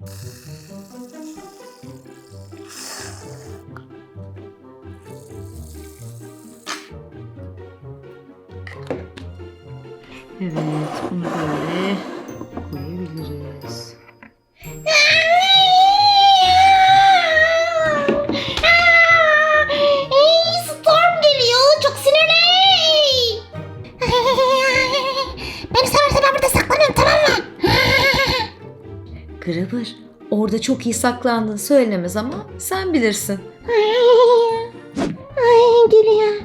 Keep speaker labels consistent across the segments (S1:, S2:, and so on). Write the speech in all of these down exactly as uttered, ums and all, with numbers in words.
S1: Evet, bunu böyle koyabiliriz.
S2: Ey, Storm geliyor. Çok sinirli. Beni severse ben burada saklanıyorum, tamam mı?
S1: Grabber, orada çok iyi saklandın söylemez ama sen bilirsin.
S2: Ay, geliyor.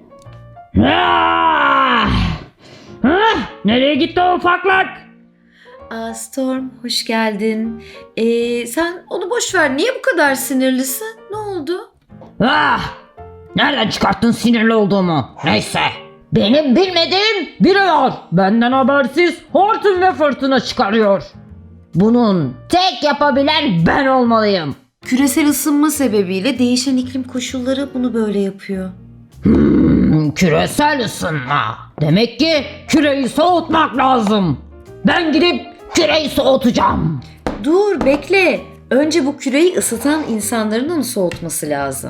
S3: Ah! Ah! Nereye gitti o ufaklık?
S1: Aa, Storm, hoş geldin. Ee, sen onu boş ver. Niye bu kadar sinirlisin? Ne oldu?
S3: Ah! Nereden çıkarttın sinirli olduğumu? Neyse. Benim bilmediğim biri var. Benden habersiz hortum ve fırtına çıkarıyor. Bunun tek yapabilen ben olmalıyım.
S1: Küresel ısınma sebebiyle değişen iklim koşulları bunu böyle yapıyor.
S3: Hmm, küresel ısınma. Demek ki küreyi soğutmak lazım. Ben gidip küreyi soğutacağım.
S1: Dur, bekle. Önce bu küreyi ısıtan insanların onu soğutması lazım.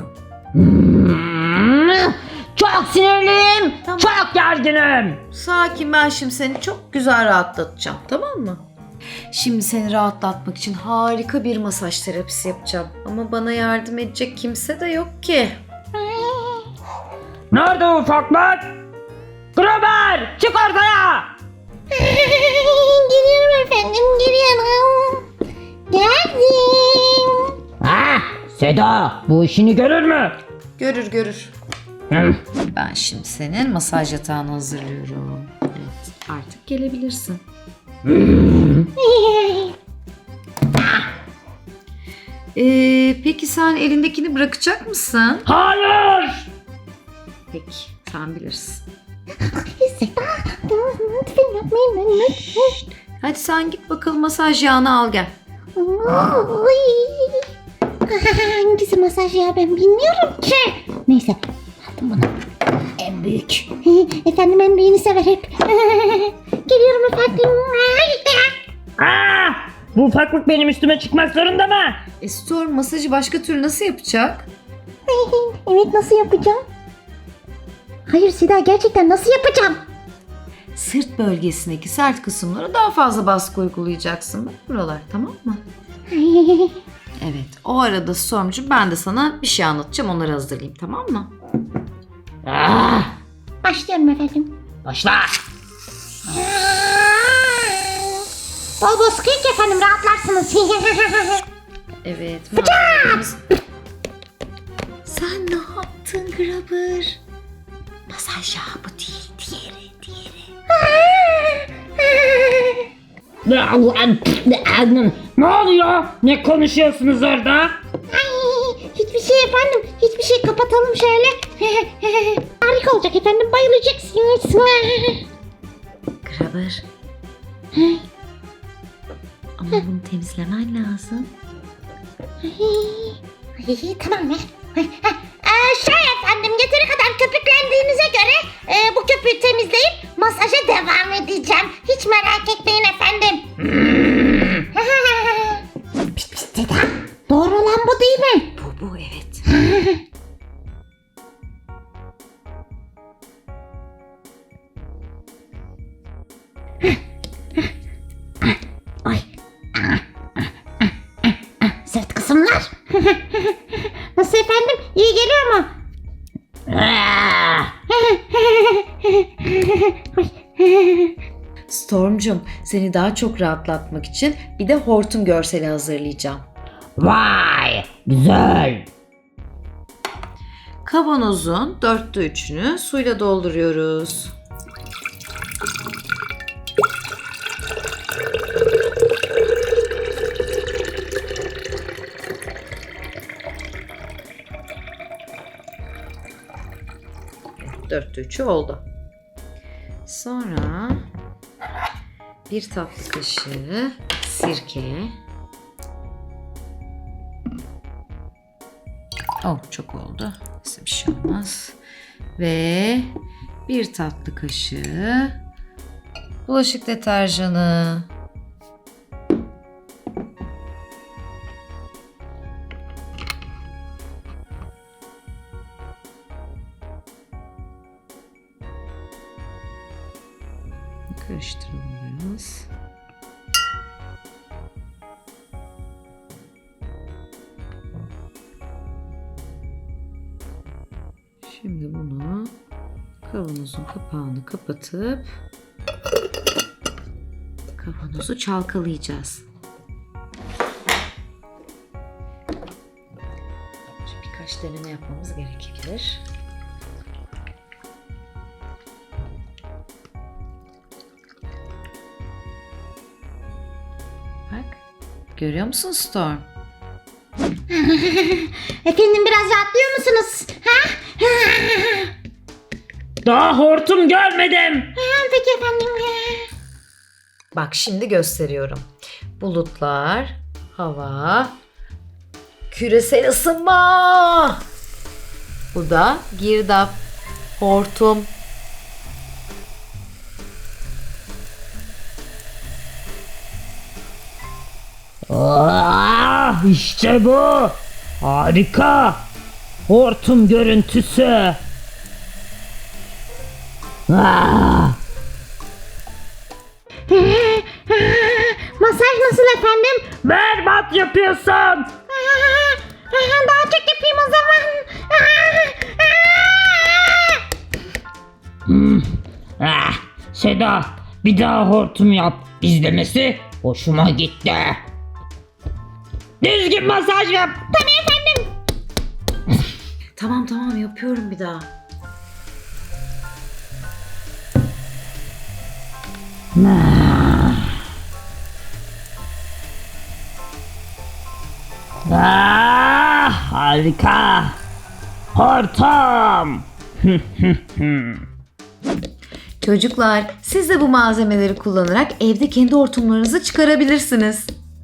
S3: Hmm, çok sinirliyim.
S1: Tamam.
S3: Çok gerginim.
S1: Sakin, ben şimdi seni çok güzel rahatlatacağım, tamam mı? Şimdi seni rahatlatmak için harika bir masaj terapisi yapacağım. Ama bana yardım edecek kimse de yok ki.
S3: Nerede ufaklık? Grabber, çık ortaya.
S2: Geliyorum efendim, geliyorum. Geldim.
S3: Ah, Seda bu işini görür mü?
S1: Görür görür.
S3: Hmm.
S1: Ben şimdi senin masaj yatağını hazırlıyorum. Evet, artık gelebilirsin. Ee, peki sen elindekini bırakacak mısın?
S3: Hayır.
S1: Peki, sen bilirsin.
S2: Seda, lütfen yapmayın lütfen.
S1: Hadi sen git bakalım, masaj yağını al gel.
S2: Oy. Hangisi masaj ya, ben bilmiyorum ki. Neyse, aldım bunu. En büyük. Efendim, en büyüğünü sever hep. Geliyorum efendim.
S3: Ah, bu ufaklık benim üstüme çıkmak zorunda mı?
S1: E, Storm masajı başka türlü nasıl yapacak?
S2: Evet, nasıl yapacağım? Hayır Seda, gerçekten nasıl yapacağım?
S1: Sırt bölgesindeki sert kısımlara daha fazla baskı uygulayacaksın. Bak buralar, tamam mı? Evet, o arada Storm'cum ben de sana bir şey anlatacağım, onları hazırlayayım, tamam mı?
S3: Ah,
S2: Başlıyorum efendim.
S3: başla.
S2: Bol bol sıkıyık efendim, rahatlarsınız.
S1: Evet, malzemelerimiz... Sen ne yaptın Grabber? Masaj yağı bu değil, diğeri, diğeri.
S3: Ne oluyor? Ne konuşuyorsunuz orada?
S2: Ay, hiçbir şey efendim, hiçbir şey, kapatalım şöyle. Harika olacak efendim, bayılacaksınız.
S1: Grabber. Ama bunu temizlemen lazım.
S2: Ay, tamam mı? Ee, şey efendim, yeteri kadar köpüklendiğinize göre e, bu köpüğü temizleyip masaja devam edeceğim. Hiç merak etmeyin efendim. Pişt pişt Seda, doğru olan bu değil mi?
S1: Bu, bu evet.
S2: Ay. Sırt kısımlar. Nasıl efendim? İyi geliyor mu?
S3: Ah,
S1: Storm'cum, seni daha çok rahatlatmak için bir de hortum görseli hazırlayacağım.
S3: vay, güzel.
S1: Kavanozun dörtte üçünü suyla dolduruyoruz. Dörtte üçü oldu. Sonra bir tatlı kaşığı sirke. Oh, çok oldu. Neyse, bir şey olmaz. Ve bir tatlı kaşığı bulaşık deterjanı. Karıştıralım biraz. Şimdi bunu kavanozun kapağını kapatıp kavanozu çalkalayacağız. Şimdi birkaç deneme yapmamız gerekebilir. Bak, görüyor musun Storm?
S2: Efendim biraz rahatlıyor musunuz? Ha?
S3: Daha hortum görmedim.
S2: Peki efendim.
S1: Bak şimdi gösteriyorum. Bulutlar, hava, küresel ısınma. Bu da girdap, hortum.
S3: Ah, işte bu. Harika. Hortum görüntüsü. Ah.
S2: Masaj nasıl efendim?
S3: Berbat yapıyorsun.
S2: Daha çok yapayım o zaman.
S3: Hmm. Ah, Seda, bir daha hortum yap. İzlemesi hoşuma gitti. Düzgün masaj yap.
S2: Tabii efendim.
S1: Tamam tamam yapıyorum bir daha.
S3: Ah, harika. Hortum.
S1: Çocuklar, siz de bu malzemeleri kullanarak evde kendi hortumlarınızı çıkarabilirsiniz.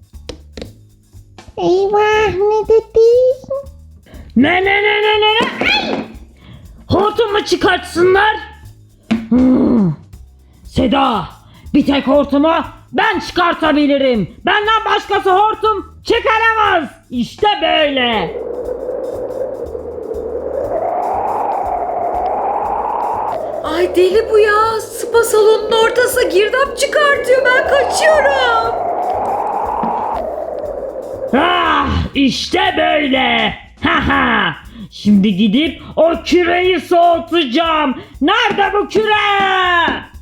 S2: Eyvah ne dedin?
S3: Ne ne ne ne ne ne? Ay! Hortumu çıkartsınlar. Hmm. Seda, bir tek hortumu ben çıkartabilirim. Benden başkası hortum çıkaramaz. İşte böyle.
S1: Ay deli bu ya. Spa salonunun ortası girdap çıkartıyor. Ben kaçıyorum.
S3: Ah, işte böyle. Haha. Şimdi gidip o küreyi soğutacağım. Nerede bu küre?